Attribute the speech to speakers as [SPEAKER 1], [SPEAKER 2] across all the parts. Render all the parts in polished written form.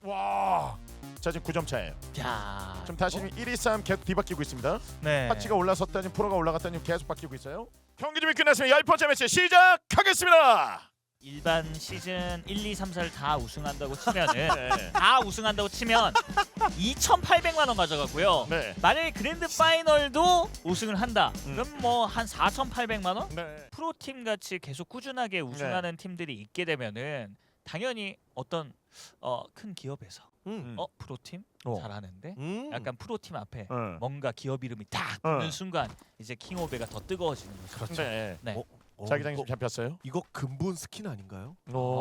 [SPEAKER 1] 와. 자 지금 9점 차예요.
[SPEAKER 2] 야.
[SPEAKER 1] 지금 다시 1위 싸움 계속 뒤바뀌고 있습니다.
[SPEAKER 2] 네.
[SPEAKER 1] 파치가 올라섰다니 프로가 올라갔다니 계속 바뀌고 있어요. 경기 준비 끝났으면 10번째 매치 시작하겠습니다.
[SPEAKER 2] 일반 시즌 1, 2, 3, 4를 다 우승한다고 치면은
[SPEAKER 1] 네.
[SPEAKER 2] 다 우승한다고 치면 2,800만 원 가져가고요.
[SPEAKER 1] 네.
[SPEAKER 2] 만약에 그랜드 파이널도 우승을 한다.
[SPEAKER 1] 음.
[SPEAKER 2] 그럼 뭐 한 4,800만 원?
[SPEAKER 1] 네.
[SPEAKER 2] 프로팀 같이 계속 꾸준하게 우승하는 팀들이 있게 되면은 당연히 어떤 큰 기업에서 프로팀
[SPEAKER 1] 어.
[SPEAKER 2] 잘하는데 약간 프로팀 앞에
[SPEAKER 1] 어.
[SPEAKER 2] 뭔가 기업 이름이 딱 붙는 순간 이제 킹오베가 더 뜨거워지는 거죠.
[SPEAKER 3] 그렇죠.
[SPEAKER 1] 네.
[SPEAKER 2] 네.
[SPEAKER 1] 자기장이
[SPEAKER 3] 이거,
[SPEAKER 1] 좀 잡혔어요.
[SPEAKER 3] 이거 근본 스킨 아닌가요?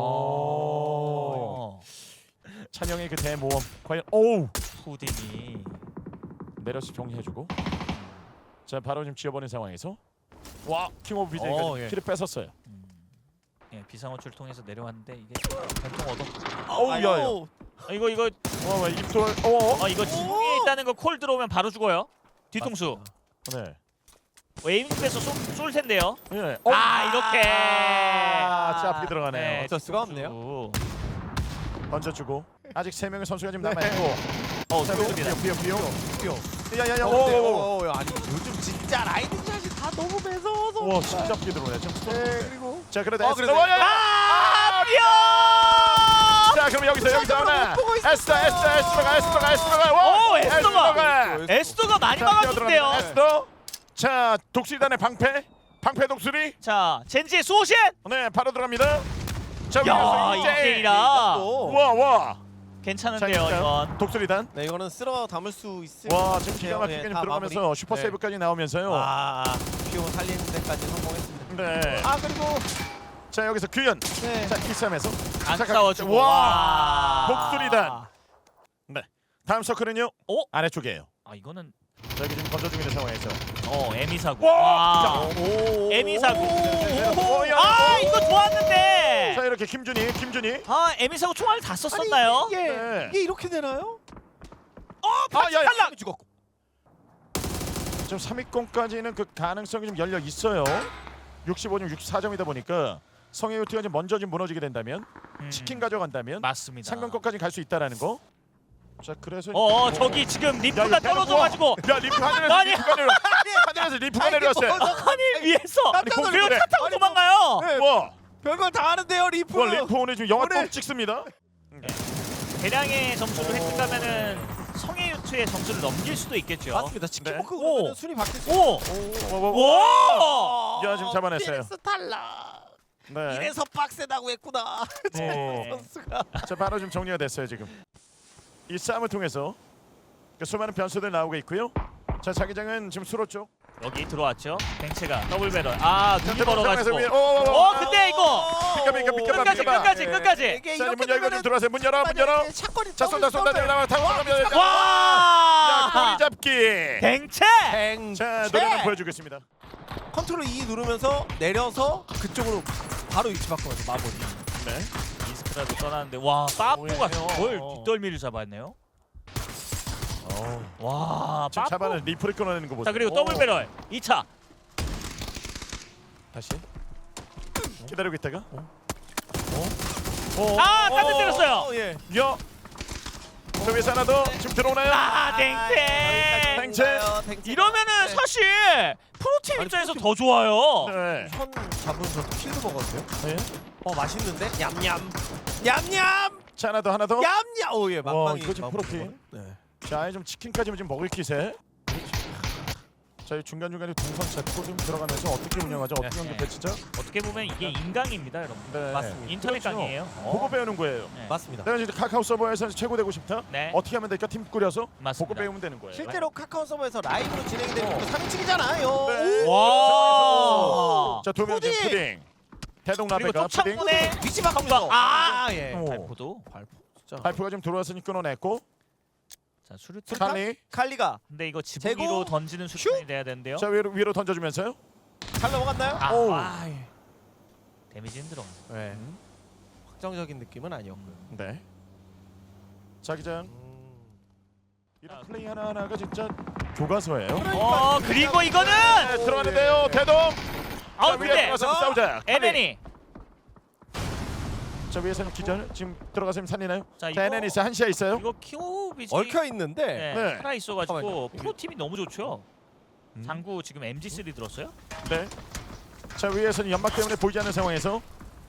[SPEAKER 1] 오. 찬영의 그 대모험 과연 오우
[SPEAKER 2] 푸딩이
[SPEAKER 1] 내려서 정리해주고 자 바로 지금 지어버린 상황에서 와 킹오브 비제가
[SPEAKER 3] 예.
[SPEAKER 1] 키를 뺏었어요.
[SPEAKER 2] 예, 비상호출 통해서 내려왔는데 이게 전통 얻어.
[SPEAKER 1] 어우 야야.
[SPEAKER 2] 이거
[SPEAKER 1] 와 입술. 어.
[SPEAKER 2] 이거 지붕에 있다는 거 콜 들어오면 바로 죽어요. 뒤통수.
[SPEAKER 1] 네.
[SPEAKER 2] 에임에서 쏠 텐데요.
[SPEAKER 1] 예.
[SPEAKER 2] 이렇게.
[SPEAKER 1] 자 앞에 들어가네요.
[SPEAKER 3] 어쩔 수가 없네요.
[SPEAKER 2] 오.
[SPEAKER 1] 던져주고 아직 3명의 선수가 지금 남아 있고. 자
[SPEAKER 2] 좋습니다.
[SPEAKER 1] 비어.
[SPEAKER 3] 뛰어.
[SPEAKER 1] 야야야.
[SPEAKER 3] 오. 아니 요즘 진짜 라이딩 샷이 다 너무 매서워서.
[SPEAKER 1] 와 진짜 앞에 들어오네. 지금
[SPEAKER 3] 네, 그리고
[SPEAKER 1] 자 그래도
[SPEAKER 3] 그래도
[SPEAKER 2] 뼈!
[SPEAKER 1] 자 그럼 여기서 하나. 에스더가.
[SPEAKER 2] 오, 에스더가 많이 막아줬대요.
[SPEAKER 1] 에스더. 자 독수리단의 방패 독수리.
[SPEAKER 2] 자, 젠지의 수호신.
[SPEAKER 1] 네 바로 들어갑니다. 자
[SPEAKER 2] 야,
[SPEAKER 1] 위에서
[SPEAKER 2] 이케이라.
[SPEAKER 1] 와.
[SPEAKER 2] 괜찮은데요,
[SPEAKER 1] 자,
[SPEAKER 2] 이건.
[SPEAKER 1] 독수리단.
[SPEAKER 3] 네 이거는 쓸어 담을 수 있을.
[SPEAKER 1] 와 지금 기가 막히게
[SPEAKER 3] 네,
[SPEAKER 1] 좀
[SPEAKER 3] 다
[SPEAKER 1] 들어가면서
[SPEAKER 3] 마무리.
[SPEAKER 1] 슈퍼
[SPEAKER 3] 네.
[SPEAKER 1] 세이브까지 나오면서요.
[SPEAKER 3] 피오 살리는 데까지 성공했습니다.
[SPEAKER 1] 네.
[SPEAKER 3] 그리고
[SPEAKER 1] 자 여기서 규현.
[SPEAKER 3] 네.
[SPEAKER 1] 자 키쌈에서
[SPEAKER 2] 안 싸워주고.
[SPEAKER 1] 와. 독수리단. 네. 다음 서클은요.
[SPEAKER 2] 오?
[SPEAKER 1] 아래쪽이에요.
[SPEAKER 2] 이거는
[SPEAKER 1] 자 여기 지금 던져주고 있는 상황에서.
[SPEAKER 2] 에미사고.
[SPEAKER 1] 와.
[SPEAKER 2] 에미사고.
[SPEAKER 1] 야.
[SPEAKER 2] 이거 좋았는데.
[SPEAKER 1] 자 이렇게 김준희.
[SPEAKER 2] 에미사고 총알을 다 썼었나요?
[SPEAKER 1] 네.
[SPEAKER 3] 이게 이렇게 되나요?
[SPEAKER 1] 야야.
[SPEAKER 3] 탈락 죽었고.
[SPEAKER 1] 지금 3위권까지는 그 가능성이 좀 열려 있어요. 65점, 64점이다 보니까 성해유티가 지금 먼저 좀 무너지게 된다면 치킨 가져간다면
[SPEAKER 2] 맞습니다.
[SPEAKER 1] 상금권까지 갈 수 있다라는 거. 자 그래서
[SPEAKER 2] 저기 지금
[SPEAKER 1] 야,
[SPEAKER 2] 리프가
[SPEAKER 1] 이거
[SPEAKER 2] 떨어져가지고
[SPEAKER 1] 야 리프 하늘에서
[SPEAKER 2] 아니.
[SPEAKER 1] 리프가 내려왔어요.
[SPEAKER 2] 아니 위에서
[SPEAKER 1] 아니, 공을
[SPEAKER 2] 그리고
[SPEAKER 1] 그래.
[SPEAKER 2] 차 타고 도망가요.
[SPEAKER 3] 네,
[SPEAKER 1] 와,
[SPEAKER 3] 별걸 다 하는데요 리프.
[SPEAKER 1] 리프 오늘 지금 영화
[SPEAKER 3] 오늘-
[SPEAKER 1] 꼭 찍습니다.
[SPEAKER 2] 대량의 점수를 획득하면은 성해유트의 점수를 넘길 수도 있겠죠.
[SPEAKER 3] 맞습니다. 치킨버크
[SPEAKER 2] 네.
[SPEAKER 3] 그러면
[SPEAKER 2] 오.
[SPEAKER 3] 순위 바뀔 수.
[SPEAKER 2] 오! 오!
[SPEAKER 1] 야 지금 잡아냈어요.
[SPEAKER 3] 이래서 탈락.
[SPEAKER 1] 네.
[SPEAKER 3] 이래서 빡세다고 했구나.
[SPEAKER 2] 네.
[SPEAKER 3] 선수가.
[SPEAKER 1] 자 바로 좀 정리가 됐어요 지금. 이 싸움을 통해서 그 수많은 변수들 나오고 있고요. 자 자기장은 지금 수로 쪽.
[SPEAKER 2] 여기 들어왔죠. 뱅체가 더블 배럴. 눈이 벌어가지고. 근데 이거 끝까지.
[SPEAKER 1] 자 문 열고 좀 들어와세요. 문 열어.
[SPEAKER 3] 샷건이
[SPEAKER 1] 자 쏜다 나와 타고 가면. 야
[SPEAKER 2] 와!
[SPEAKER 1] 꼬리 잡기.
[SPEAKER 2] 뱅체!
[SPEAKER 1] 자 노래는 보여주겠습니다.
[SPEAKER 3] 컨트롤 E 누르면서 내려서 그쪽으로 바로 위치 바꿔서 마무리.
[SPEAKER 1] 네.
[SPEAKER 2] 이스크라도 떠나는데 와 빠뽀가
[SPEAKER 3] 오예요.
[SPEAKER 2] 뭘 뒷덜미를 잡았네요. 와
[SPEAKER 1] 지금
[SPEAKER 2] 빠뽀.
[SPEAKER 1] 잡아는 리프를 끊어내는 거 보세요.
[SPEAKER 2] 자 그리고 더블 배럴 2차.
[SPEAKER 1] 다시 기다리고 있다가.
[SPEAKER 2] 딴데 때렸어요.
[SPEAKER 3] 예.
[SPEAKER 1] 야. 저 위에서 하나 더 지금 들어오나요?
[SPEAKER 2] 댕태.
[SPEAKER 1] 댕체.
[SPEAKER 2] 이러면은 사실 프로팀
[SPEAKER 3] 아니,
[SPEAKER 2] 입장에서
[SPEAKER 3] 프로팀-
[SPEAKER 2] 더 좋아요.
[SPEAKER 1] 네.
[SPEAKER 3] 현 잡으면서 킬도 먹었어요.
[SPEAKER 1] 네.
[SPEAKER 3] 맛있는데? 냠냠.
[SPEAKER 1] 자 하나 더.
[SPEAKER 3] 냠냠. 오예 막방이.
[SPEAKER 1] 이거 지금 프로팀.
[SPEAKER 3] 네.
[SPEAKER 1] 자 아예 좀 치킨까지는 지금 먹을 기세. 자 중간 중간에 동선 잡고 좀 들어가면서 어떻게 운영하죠? 어떻게
[SPEAKER 2] 네.
[SPEAKER 1] 연결돼 진짜?
[SPEAKER 2] 어떻게 보면 이게 인강입니다, 여러분.
[SPEAKER 1] 네.
[SPEAKER 3] 맞습니다.
[SPEAKER 2] 인터넷
[SPEAKER 1] 그렇죠.
[SPEAKER 2] 강의예요.
[SPEAKER 1] 보고 배우는 거예요.
[SPEAKER 2] 네.
[SPEAKER 3] 맞습니다.
[SPEAKER 1] 내가 이제 카카오 서버에서 최고 되고 싶다.
[SPEAKER 2] 네.
[SPEAKER 1] 어떻게 하면 될까? 팀 꾸려서
[SPEAKER 2] 맞습니다.
[SPEAKER 1] 보고 배우면 되는 거예요.
[SPEAKER 3] 실제로 카카오 서버에서 라이브로 진행되는 거 3인칭이잖아요.
[SPEAKER 1] 네.
[SPEAKER 2] 와.
[SPEAKER 1] 자, 도명
[SPEAKER 3] 푸딩!
[SPEAKER 1] 푸딩. 대동
[SPEAKER 2] 그리고
[SPEAKER 1] 라베가 푸딩.
[SPEAKER 2] 톱창문에
[SPEAKER 3] 위치 바꾸면서. 예.
[SPEAKER 1] 오.
[SPEAKER 2] 발포도.
[SPEAKER 3] 발포. 진짜.
[SPEAKER 1] 발프가 좀 들어왔으니 끊어냈고.
[SPEAKER 2] 자 수류탄.
[SPEAKER 1] 칼리.
[SPEAKER 3] 칼리가
[SPEAKER 2] 근데 이거 지붕 위로 던지는 수준이 돼야 되는데요.
[SPEAKER 1] 자 위로 던져주면서요.
[SPEAKER 3] 잘 넘어갔나요?
[SPEAKER 1] 오.
[SPEAKER 3] 예.
[SPEAKER 2] 데미지 힘들어.
[SPEAKER 3] 네. 확정적인 느낌은 아니었고요.
[SPEAKER 1] 네. 자기장 이런 플레이 하나하나가 진짜 교과서예요.
[SPEAKER 2] 그리고 이거는
[SPEAKER 1] 네, 들어가는데요. 대동. 자, 위에
[SPEAKER 2] 근데
[SPEAKER 1] 들어가서 싸우자. 칼리.
[SPEAKER 2] 에멘이
[SPEAKER 1] 자 자 위에서는 기절 지금 들어가서 살리나요?
[SPEAKER 2] 자
[SPEAKER 1] 자 NN 있어요. 한시야 있어요.
[SPEAKER 2] 이거 키오비지
[SPEAKER 3] 얽혀 있는데
[SPEAKER 2] 네,
[SPEAKER 1] 네.
[SPEAKER 2] 살아 있어가지고
[SPEAKER 3] 잠깐만요.
[SPEAKER 2] 프로 팀이 너무 좋죠. 장구 지금 MG3 들었어요?
[SPEAKER 1] 네. 자 위에서는 연막 때문에 보이지 않는 상황에서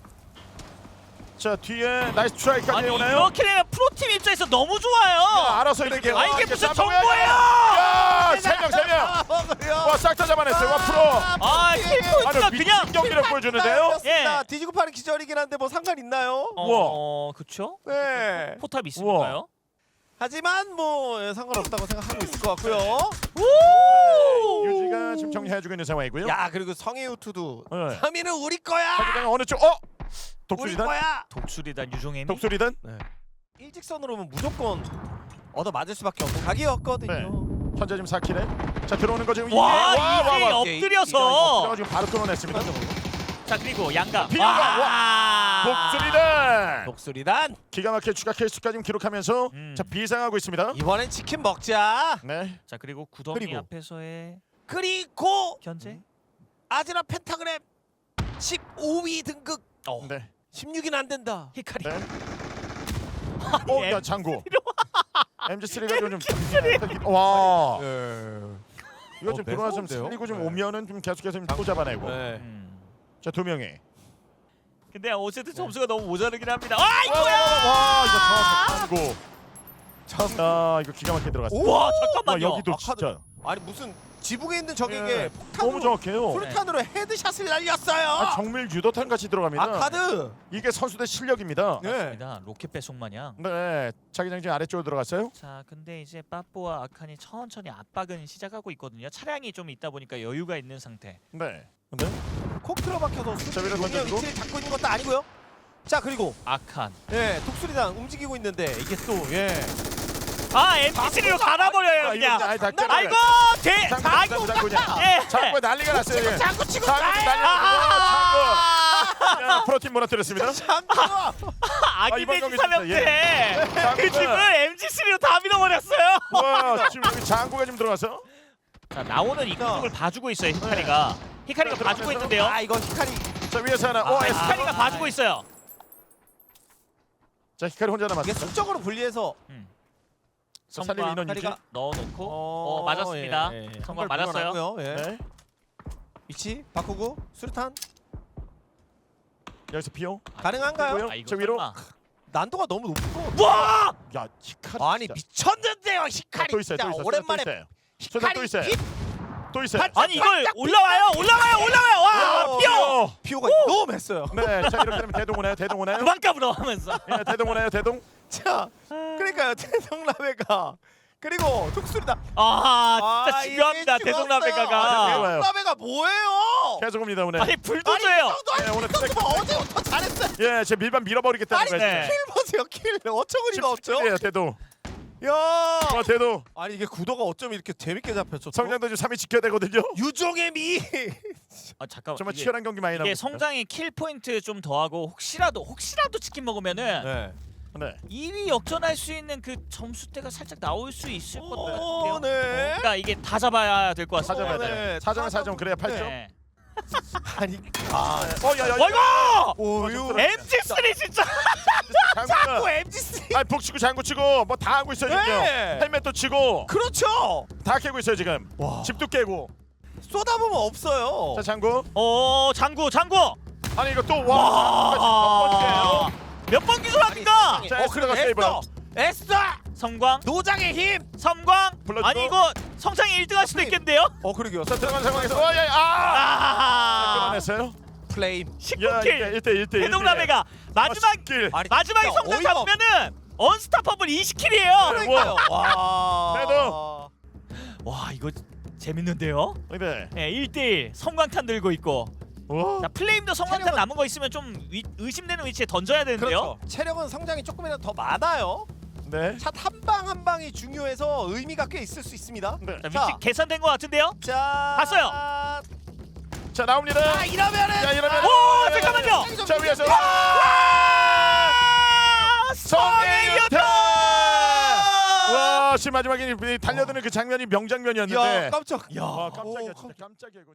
[SPEAKER 1] 자 뒤에 나이스 트라이까지
[SPEAKER 2] 아니
[SPEAKER 1] 오나요?
[SPEAKER 2] 이렇게 되면 프로 팀 입장에서 너무 좋아요.
[SPEAKER 1] 알아서 이렇게
[SPEAKER 2] 아 이게 무슨
[SPEAKER 1] 쌈뽕이야.
[SPEAKER 2] 정보예요?
[SPEAKER 1] 야, 세 명. 와, 싹 다 잡아냈어요. 와, 프로.
[SPEAKER 2] 아 킬포인트가
[SPEAKER 1] 아니,
[SPEAKER 2] 그냥
[SPEAKER 1] 미친 경기를 보여주는데요.
[SPEAKER 3] 예. 뒤지고 파는 기절이긴 한데 뭐 상관 있나요?
[SPEAKER 2] 그쵸?
[SPEAKER 3] 네.
[SPEAKER 2] 포탑 있으니까요.
[SPEAKER 3] 하지만 뭐 상관없다고 생각하고 있을 것 같고요.
[SPEAKER 1] 유지가 지금 정리해주고 있는 상황이고요.
[SPEAKER 3] 야 그리고 성해우투도
[SPEAKER 1] 네.
[SPEAKER 3] 3위는 우리 거야.
[SPEAKER 1] 자기장 어느 쪽?
[SPEAKER 3] 우리
[SPEAKER 1] 독수리단?
[SPEAKER 3] 거야.
[SPEAKER 2] 독수리단 유종혜미.
[SPEAKER 1] 독수리단?
[SPEAKER 3] 일직선으로 오면 무조건 얻어 맞을 수밖에 없는 각이었거든요.
[SPEAKER 1] 네. 현재 지금 4킬에. 자 들어오는 거 지금
[SPEAKER 2] 와
[SPEAKER 1] 이게
[SPEAKER 2] 이게 엎드려서.
[SPEAKER 1] 들어가 지금 바로 끊어냈습니다.
[SPEAKER 2] 자 그리고 양가.
[SPEAKER 1] 비양가,
[SPEAKER 2] 와.
[SPEAKER 1] 독수리단.
[SPEAKER 3] 독수리단
[SPEAKER 1] 기가 막히게 추가 킬수까지 지금 기록하면서 자 비상하고 있습니다.
[SPEAKER 3] 이번엔 치킨 먹자.
[SPEAKER 1] 네.
[SPEAKER 2] 자 그리고 구덩이
[SPEAKER 3] 그리고.
[SPEAKER 2] 앞에서의
[SPEAKER 3] 그리고
[SPEAKER 2] 견제.
[SPEAKER 3] 아즈라 펜타그램 15위 등극.
[SPEAKER 1] 네.
[SPEAKER 3] 16위는 안 된다.
[SPEAKER 2] 히카리.
[SPEAKER 1] 네.
[SPEAKER 2] 아니,
[SPEAKER 1] 야 장구. MG3가 좀 와. 이거 좀 들어와서 좀
[SPEAKER 3] 매서운데요?
[SPEAKER 1] 살리고 좀
[SPEAKER 3] 네.
[SPEAKER 1] 오면은 좀 계속해서 또 잡아내고.
[SPEAKER 3] 네.
[SPEAKER 1] 자 두 명이.
[SPEAKER 2] 근데 어쨌든 점수가 너무 모자르긴 합니다. 아
[SPEAKER 1] 와
[SPEAKER 2] 이거야.
[SPEAKER 1] 이거 정확히 아 이거 기가 막히게 들어갔어.
[SPEAKER 2] 와
[SPEAKER 1] 와
[SPEAKER 2] 잠깐만요.
[SPEAKER 1] 여기도
[SPEAKER 3] 아카드.
[SPEAKER 1] 진짜
[SPEAKER 3] 아니 무슨 지붕에 있는 적에게
[SPEAKER 1] 예.
[SPEAKER 3] 폭탄으로
[SPEAKER 1] 너무 정확해요.
[SPEAKER 3] 프루탄으로 헤드샷을 날렸어요.
[SPEAKER 1] 아, 정밀 유도탄 같이 들어갑니다.
[SPEAKER 3] 아카드.
[SPEAKER 1] 이게 선수들 실력입니다.
[SPEAKER 3] 네.
[SPEAKER 2] 맞습니다. 로켓 배송 마냥.
[SPEAKER 1] 네, 자기장 지금 아래쪽으로 들어갔어요.
[SPEAKER 2] 자 근데 이제 빠뽀와 아칸이 천천히 압박은 시작하고 있거든요. 차량이 좀 있다 보니까 여유가 있는 상태.
[SPEAKER 1] 네. 근데
[SPEAKER 3] 콕 틀어박혀서
[SPEAKER 1] 자, 위로
[SPEAKER 3] 분명
[SPEAKER 1] 던져주고.
[SPEAKER 3] 위치를 잡고 있는 것도 아니고요. 자 그리고
[SPEAKER 2] 아칸.
[SPEAKER 3] 독수리단 움직이고 있는데 이게 또
[SPEAKER 2] 아 MT3로 갈아버려요 그냥.
[SPEAKER 1] 아이 다
[SPEAKER 2] 아이고 대
[SPEAKER 1] 장구 장구냐.
[SPEAKER 2] 예.
[SPEAKER 1] 장구 난리가 났어요. 예.
[SPEAKER 3] 장구 치고
[SPEAKER 1] 장구 난리가 났고 장구. 프로팀 무너뜨렸습니다.
[SPEAKER 3] 장구가
[SPEAKER 2] 아기
[SPEAKER 1] 이번
[SPEAKER 2] 돼지
[SPEAKER 1] 경기
[SPEAKER 2] 사령대
[SPEAKER 1] 진짜,
[SPEAKER 2] 그 집을 MG3로 다 밀어버렸어요.
[SPEAKER 1] 와 지금 여기 장구가 지금 들어가서.
[SPEAKER 2] 자 나오는 이쪽을 봐주고 있어요 히카리가. 히카리가
[SPEAKER 1] 자,
[SPEAKER 2] 봐주고
[SPEAKER 1] 들어가면서.
[SPEAKER 2] 있는데요.
[SPEAKER 3] 아 이거 히카리
[SPEAKER 1] 자 위에서 하나.
[SPEAKER 2] 히카리가 봐주고 있어요.
[SPEAKER 1] 자 히카리 혼자
[SPEAKER 3] 이게
[SPEAKER 1] 남았어.
[SPEAKER 3] 수적으로 분리해서
[SPEAKER 1] 자, 살리는
[SPEAKER 2] 성광
[SPEAKER 1] 인원 유지.
[SPEAKER 3] 히카리가
[SPEAKER 2] 넣어놓고 맞았습니다. 성광 맞았어요.
[SPEAKER 1] 네.
[SPEAKER 3] 위치 바꾸고 수류탄
[SPEAKER 1] 여기서 비오.
[SPEAKER 3] 가능한가요?
[SPEAKER 1] 뭐요?
[SPEAKER 2] 아 이거
[SPEAKER 1] 저 위로.
[SPEAKER 2] 설마.
[SPEAKER 3] 난도가 너무 높은 거.
[SPEAKER 2] 와!
[SPEAKER 1] 야 히카리.
[SPEAKER 3] 아니
[SPEAKER 1] 진짜.
[SPEAKER 3] 미쳤는데요 히카리.
[SPEAKER 1] 또 있어요.
[SPEAKER 3] 진짜
[SPEAKER 1] 또 있어요.
[SPEAKER 3] 오랜만에
[SPEAKER 1] 또 있어요.
[SPEAKER 3] 히카리
[SPEAKER 1] 또 있어요.
[SPEAKER 3] 핏
[SPEAKER 1] 또 있어요.
[SPEAKER 2] 아니 이걸 올라와요. 와 피어.
[SPEAKER 3] 피오가 너무 했어요.
[SPEAKER 1] 네. 자 이렇게 되면 대동 오나요? 대동 오나요?
[SPEAKER 2] 그만 까불어 하면서.
[SPEAKER 1] 예, 대동 오나요? 대동?
[SPEAKER 3] 자 그러니까요 대동라베가 그리고 독수리다.
[SPEAKER 2] 아 진짜 중요합니다.
[SPEAKER 3] 이게 죽었어요.
[SPEAKER 2] 대동라베가가.
[SPEAKER 3] 대동라베가 뭐예요?
[SPEAKER 1] 계속 옵니다 오늘.
[SPEAKER 2] 아니 불도저예요.
[SPEAKER 1] 네, 오늘
[SPEAKER 3] 어제부터 잘했어요.
[SPEAKER 1] 예, 제 밀반 밀어버리겠다는
[SPEAKER 3] 아니
[SPEAKER 1] 거예요.
[SPEAKER 2] 네.
[SPEAKER 3] 킬 보세요 킬 어처구니가 없죠?
[SPEAKER 1] 예, 대동.
[SPEAKER 3] 야
[SPEAKER 1] 대동.
[SPEAKER 3] 아니 이게 구도가 어쩜 이렇게 재밌게 잡혔죠?
[SPEAKER 1] 성장도 지금 3위 지켜야 되거든요.
[SPEAKER 3] 유종의 미.
[SPEAKER 2] 아 잠깐만.
[SPEAKER 1] 정말
[SPEAKER 2] 이게,
[SPEAKER 1] 치열한 경기 많이 나오고
[SPEAKER 2] 이게
[SPEAKER 1] 있습니다.
[SPEAKER 2] 성장의 킬 포인트 좀 더하고 혹시라도 치킨 먹으면은
[SPEAKER 3] 네.
[SPEAKER 1] 네.
[SPEAKER 2] 2위 역전할 수 있는 그 점수대가 살짝 나올 수 있을 것 같아요.
[SPEAKER 3] 오, 네.
[SPEAKER 2] 그러니까 이게 다 잡아야 될 것 같습니다.
[SPEAKER 1] 사점해야
[SPEAKER 3] 네.
[SPEAKER 1] 돼. 4점에 4점 그래야 8점.
[SPEAKER 2] 네.
[SPEAKER 3] 아니 아
[SPEAKER 1] 야.
[SPEAKER 2] 어이구!
[SPEAKER 3] 오유
[SPEAKER 2] MG3 진짜.
[SPEAKER 3] 자꾸 MG3
[SPEAKER 1] 아, 북치고 장구 치고 뭐 다 하고 있어요, 지금.
[SPEAKER 3] 네.
[SPEAKER 1] 헬멧도 치고
[SPEAKER 3] 그렇죠.
[SPEAKER 1] 다 깨고 있어요, 지금.
[SPEAKER 3] 와.
[SPEAKER 1] 집도 깨고.
[SPEAKER 3] 쏟아보면 없어요.
[SPEAKER 1] 자, 장구.
[SPEAKER 2] 장구.
[SPEAKER 1] 아니 이거 또
[SPEAKER 2] 와. 몇 번 기술합니까?
[SPEAKER 1] 자, 에스더가 세이브.
[SPEAKER 3] 에스더
[SPEAKER 2] 성광,
[SPEAKER 3] 노장의 힘.
[SPEAKER 2] 섬광.
[SPEAKER 1] 불러주고.
[SPEAKER 2] 아니 이거 성창이 1등 할 수도 있겠는데요?
[SPEAKER 3] 그러게요.
[SPEAKER 1] 자, 들어간 상황에서 끊어냈어요.
[SPEAKER 3] 플레임.
[SPEAKER 1] 야,
[SPEAKER 2] 19킬.
[SPEAKER 1] 1대1.
[SPEAKER 2] 대동라베가 마지막
[SPEAKER 1] 길.
[SPEAKER 2] 마지막에
[SPEAKER 3] 진짜
[SPEAKER 2] 성장
[SPEAKER 3] 어이가
[SPEAKER 2] 잡으면은 언스타퍼블 20킬이에요.
[SPEAKER 3] 그러니까요. 와.
[SPEAKER 1] 그래도.
[SPEAKER 2] 와 이거 재밌는데요?
[SPEAKER 1] 네.
[SPEAKER 2] 네, 1대1 성광탄 들고 있고.
[SPEAKER 1] 와.
[SPEAKER 2] 자 플레임도 성광탄
[SPEAKER 3] 체력은-
[SPEAKER 2] 남은 거 있으면 좀 의심되는 위치에 던져야 되는데요.
[SPEAKER 3] 그렇죠. 체력은 성장이 조금이라도 더 많아요.
[SPEAKER 1] 네.
[SPEAKER 3] 샷 한 방 한 방이 중요해서 의미가 꽤 있을 수 있습니다.
[SPEAKER 1] 네.
[SPEAKER 2] 자, 위치 계산된 것 같은데요?
[SPEAKER 3] 자,
[SPEAKER 2] 봤어요.
[SPEAKER 1] 자, 나옵니다.
[SPEAKER 3] 아 이러면은
[SPEAKER 1] 야, 이러면
[SPEAKER 2] 오 잠깐만요.
[SPEAKER 1] 자, 위에서
[SPEAKER 2] 성혜유타.
[SPEAKER 1] 와, 지금 마지막에 달려드는 그 장면이 명장면이었는데.
[SPEAKER 3] 야 깜짝.
[SPEAKER 1] 와, 깜짝이야, 진짜 깜짝이야. 이거.